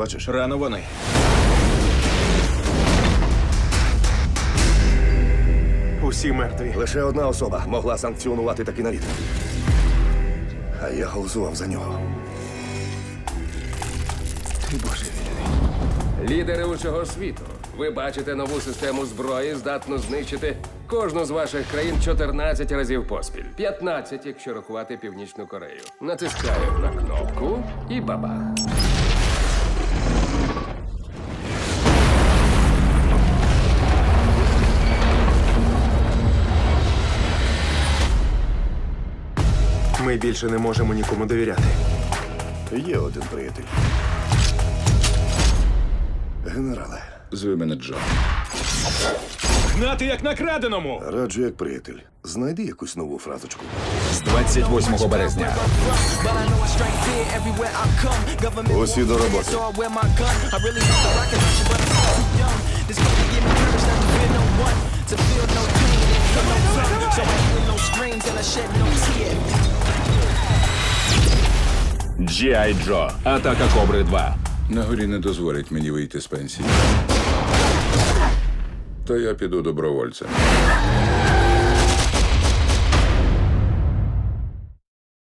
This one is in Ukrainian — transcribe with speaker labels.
Speaker 1: бачиш?
Speaker 2: Рано вони.
Speaker 1: Усі мертві.
Speaker 3: Лише одна особа могла санкціонувати такий наліт. А я голосував за нього.
Speaker 1: Ти божевільний.
Speaker 4: Лідери усього світу. Ви бачите нову систему зброї, здатну знищити кожну з ваших країн 14 разів поспіль. 15, якщо рахувати Північну Корею. Натискаю на кнопку і бабах.
Speaker 1: Ми більше не можемо нікому довіряти.
Speaker 3: Є один приятель. Генерале,
Speaker 5: Зви мене Джо.
Speaker 2: Гнати як на краденому!
Speaker 3: раджу як приятель. Знайди якусь нову фразочку.
Speaker 5: З 28 березня.
Speaker 3: Усі до роботи.
Speaker 5: G.I. Джо. Атака Кобри 2. На горі не дозволять мені вийти з пенсії. То я піду добровольцем.